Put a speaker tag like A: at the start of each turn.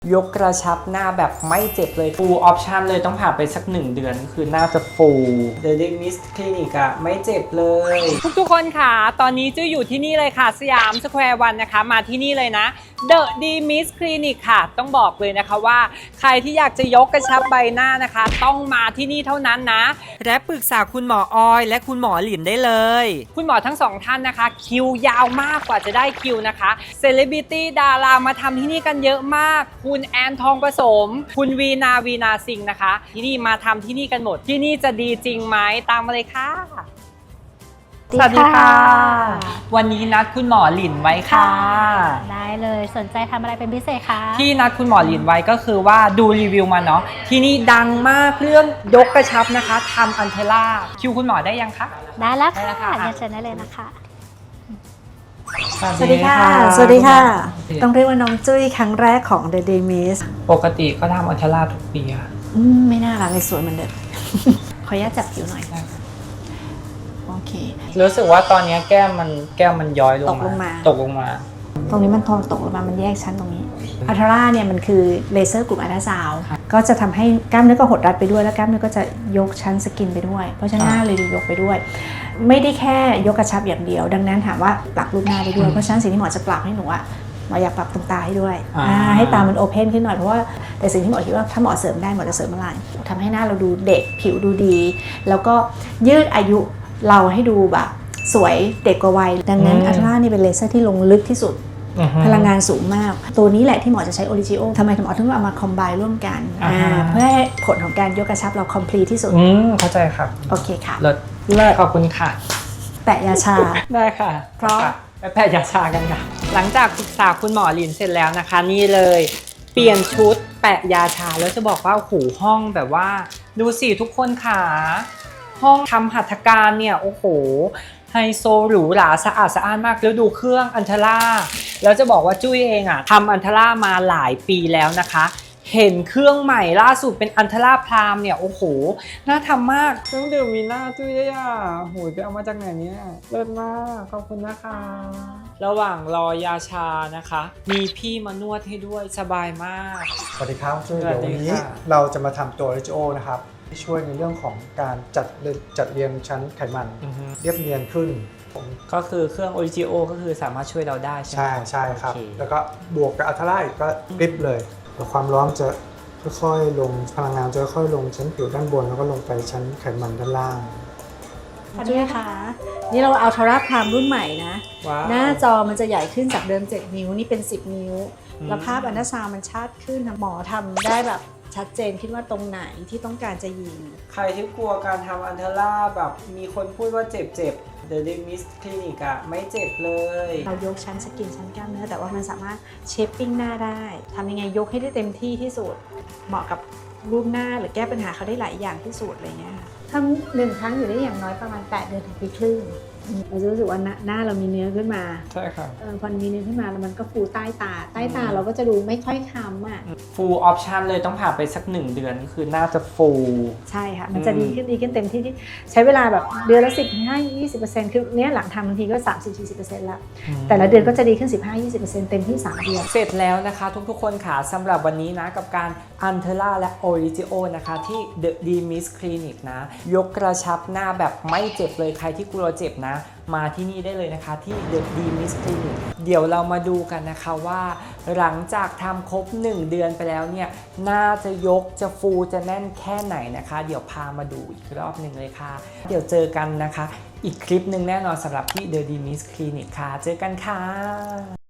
A: ยกกระชับหน้าแบบไม่เจ็บเลย full option เลยต้องผ่านไปสัก1 เดือนคือหน้าจะ full The Demist Clinic อะไม่เจ็บเลยทุกคนค่ะตอนนี้จื้ออยู่ที่นี่เลยค่ะสยามสแควร์วันนะคะมาที่นี่เลยนะ The Demist Clinic ค่ะต้องบอกเลยนะคะว่าใครที่อยากจะยกกระชับใบหน้านะคะต้องมาที่นี่เท่านั้นนะและปรึกษาคุณหมอออยและคุณหมอหลินได้เลยคุณหมอทั้ง2ท่านนะคะคิวยาวมากกว่าจะได้คิวนะคะเซเลบริตี้ดารามาทำที่นี่กันเยอะมากคุณแอนทองผสมคุณวีนาซิงนะคะที่นี่มาทำที่นี่กันหมดที่นี่จะดีจริงไหมตามมาเลยค่ะสวัสดีค่ะวันนี้นัดคุณหมอหลินไว้ค่ะ
B: ได้เลยสนใจทำอะไรเป็นพิเศษคะ
A: ที่นัดคุณหมอหลินไว้ก็คือว่าดูรีวิวมาเนาะที่นี่ดังมากเรื่องยกกระชับนะคะทำอันเทล่าคิวคุณหมอได้ยังคะ
B: ได้แล้วค่ะเชิญได้เลยนะคะ
C: สวัสดีค่ะสวัสดีค่ะต้องเรียกว่าน้องจุ้ยครั้งแรกของ The Demist
A: ปกติก็ทำอันเทล่าทุกปีค่ะ
C: ไม่น่ารักเลยสวยเหมือนเดิมขออนุญาตจับผิวหน่อยโอเค
A: รู้สึกว่าตอนนี้แก้มมันย้อยลงมาตกลงมา
C: ตรงนี้มันตกลงมามันแยกชั้นตรงนี้อัลทราเนี่ยมันคือเลเซอร์กลุ่มอัลตราซาวด์ก็จะทำให้กล้ามเนื้อก็หดรัดไปด้วยแล้วกล้ามเนื้อก็จะยกชั้นสกินไปด้วยเพราะฉะนั้นหน้าเลยดูยกไปด้วยไม่ได้แค่ยกกระชับอย่างเดียวดังนั้นถามว่าปรับรูปหน้าได้ด้วยเพราะฉะนั้นสิ่งที่หมอจะปรับให้หนูอะหมออยากปรับตรงตาให้ด้วยให้ตามันโอเพนขึ้นหน่อยเพราะว่าแต่สิ่งที่หมอคิดว่าถ้าหมอเสริมได้หมอจะเสริมอะไรทำให้หน้าเราดูเด็กผิวดูดีแล้วก็ยืดอายุเราให้ดูแบบสวยเด็กกว่าวัยดังนั้นอัลทรานี่เป็นเลเซอร์ที่ลงลึกที่สุดพลังงานสูงมากตัวนี้แหละที่หมอจะใช้โอริจิโอทำไมหมอถึงเอามาคอมไบร่วมกันเพื่อให้ผลของการยกกระชับเราคอมพลีทที่สุด
A: เข้าใจครับ
C: โอเคค่ะ
A: เลิศขอบคุณค่ะ
C: แปะยาชา
A: ได้ค่ะ
C: เพราะ
A: ไปแปะยาชากันค่ะหลังจากปรึกษาคุณหมอหลินเสร็จแล้วนะคะนี่เลยเปลี่ยนชุดแปะยาชาแล้วจะบอกว่าโอ้โหห้องแบบว่าดูสิทุกคนค่ะห้องทำหัตถการเนี่ยโอ้โหไฮโซหรูหราสะอาดสะอ้านมากแล้วดูเครื่องอันเทล่าแล้วจะบอกว่าจุ้ยเองอะทำอันเทล่ามาหลายปีแล้วนะคะเห็นเครื่องใหม่ล่าสุดเป็นอันเทล่าพรามเนี่ยโอ้โหน่าทำมากเครื่องดื่มมีหน้าจุ้ยได้อ่ะโหยไปเอามาจากไหนเนี่ยเลิศมากขอบคุณนะคะระหว่างรอยาชานะคะมีพี่มานวดให้ด้วยสบายมาก
D: สวัสดีครับจุ้ยเดี๋ยววันนี้เราจะมาทำตัว RGO นะครับที่ช่วยในเรื่องของการจัดเรียงชั้นไขมันเรียบเนียนขึ้น
A: ก็คือเครื่อง Origio ก็คือสามารถช่วยเราได้ใช่ไหม
D: ใช่ครับแล้วก็บวกกับอัลทราอีกก็กริปเลยความร้อนจะค่อยๆลงพลังงานจะค่อยๆลงชั้นผิวด้านบนแล้วก็ลงไปชั้นไขมันด้านล่าง
C: จุ้ยค่ะนี่เราเอาอัลทราพรามรุ่นใหม่นะหน้าจอมันจะใหญ่ขึ้นจากเดิม7 นิ้วนี่เป็น10 นิ้วแล้วภาพอัลตราซาวด์มันชัดขึ้นหมอทำได้แบบชัดเจนคิดว่าตรงไหนที่ต้องการจะยิง
A: ใครที่กลัวการทำอันเทล่าแบบมีคนพูดว่าเจ็บThe Demist Clinic อะไม่เจ็บเลย
C: เรายกชั้นสกินชั้นกล้ามเนื้อแต่ว่ามันสามารถเชฟปิ้งหน้าได้ทำยังไงยกให้ได้เต็มที่ที่สุดเหมาะกับรูปหน้าหรือแก้ปัญหาเขาได้หลายอย่างที่สุดอะไรเงี้ยทำ1 ครั้งอยู่ได้อย่างน้อยประมาณ8 เดือนถึงปีครึ่งเราจะรู้สึกว่าหน้าเรามีเนื้อขึ้นมา
A: ใช่ครับ
C: พอมีเนื้อขึ้นมาแล้วมันก็ฟูใต้ตาเราก็จะดูไม่ค่อยคล้ำอ่ะ
A: full option เลยต้องผ่านไปสัก1 เดือนคือหน้าจะ full
C: ใช่ค่ะมันจะดีขึ้นเต็มที่ใช้เวลาแบบเดือนละ15-20%คือเนี้ยหลังทำบางทีก็ 30-40% แล้วแต่ละเดือนก็จะดีขึ้น 15-20% เต็มที่3 เดือน
A: เสร็จแล้วนะคะทุกคนค่ะสำหรับวันนี้นะกับการอันเทล่าและ Origio นะคะที่ The Demist Clinic นะยกกระชับหน้าแบบไม่เจ็บเลยใครที่กลัวเจ็บนะมาที่นี่ได้เลยนะคะที่ The Demist Clinic เดี๋ยวเรามาดูกันนะคะว่าหลังจากทำครบ1 เดือนไปแล้วเนี่ยหน้าจะยกจะฟูจะแน่นแค่ไหนนะคะเดี๋ยวพามาดูอีกรอบหนึ่งเลยค่ะเดี๋ยวเจอกันนะคะอีกคลิปหนึ่งแน่นอนสำหรับที่ The Demist Clinic ค่ะเจอกันค่ะ